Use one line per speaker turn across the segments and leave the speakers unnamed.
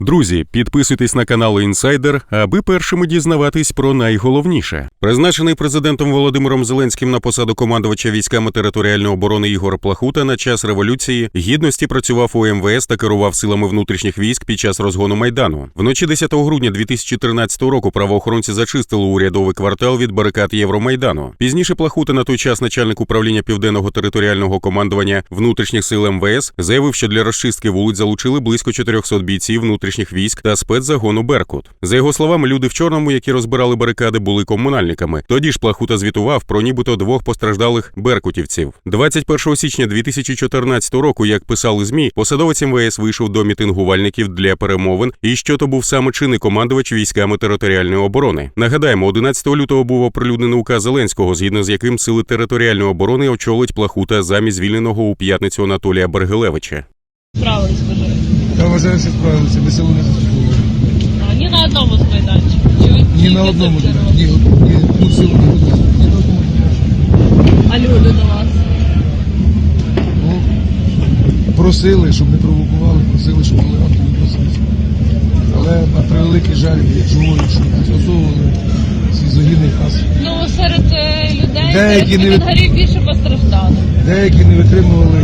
Друзі, підписуйтесь на канал Інсайдер, аби першими дізнаватись про найголовніше. Призначений президентом Володимиром Зеленським на посаду командувача військами територіальної оборони Ігор Плахута на час Революції Гідності працював у МВС та керував силами внутрішніх військ під час розгону Майдану. Вночі 10 грудня 2013 року правоохоронці зачистили урядовий квартал від барикад Євромайдану. Пізніше Плахута, на той час начальник управління Південного територіального командування внутрішніх сил МВС, заявив, що для розчистки вулиць залучили близько 400 бійців внутрішніх військ та спецзагону «Беркут». За його словами, люди в чорному, які розбирали барикади, були комунальниками. Тоді ж Плахута звітував про нібито 2 постраждалих беркутівців. 21 січня 2014 року, як писали ЗМІ, посадовець МВС вийшов до мітингувальників для перемовин, і що то був саме чинний командувач військами територіальної оборони. Нагадаємо, 11 лютого був оприлюднений указ Зеленського, згідно з яким сили територіальної оборони очолить Плахута замість звільненого у п'ятницю Анатолія Бергелевича.
Справились, скажи.
Я вважаю, що справилися, без село не заслуговували.
Ні на одному з майданчиків.
Ні на одному, ні на одному, ні на одному.
А люди до вас?
Ну, просили, щоб не провокували, просили, щоб були активні, просили. Але на превеликий жаль, говорять, що застосовували ці загиблі нас.
Ну, серед людей,
Деякі
серед коментарів більше постраждали.
Деякі не витримували,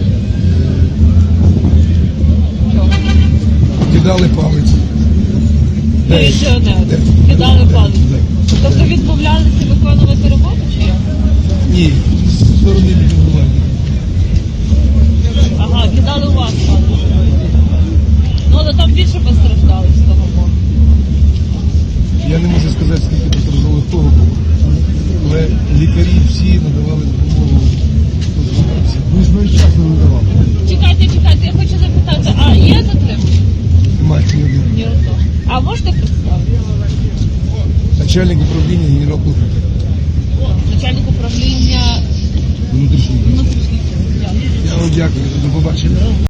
кидали палець.
Міліціонери кидали палець. Тобто відмовлялися виконувати роботу чи як?
Ні, з сторони відмовлення.
Ага, кидали у вас палець. Ну, але там більше постраждали з того боку.
Я не можу сказати, скільки постраждало з того боку, але лікарі всі надавали допомогу. Ми ж вчасно надавали.
Чекайте, я хочу запитати, а є затримання?
Немає ні одного.
Ні одного. А можете представити?
Начальник управління генерал Плахута.
Начальник управління
Внутрішній.
внутрішніх сил.
Я вам дякую, до побачення.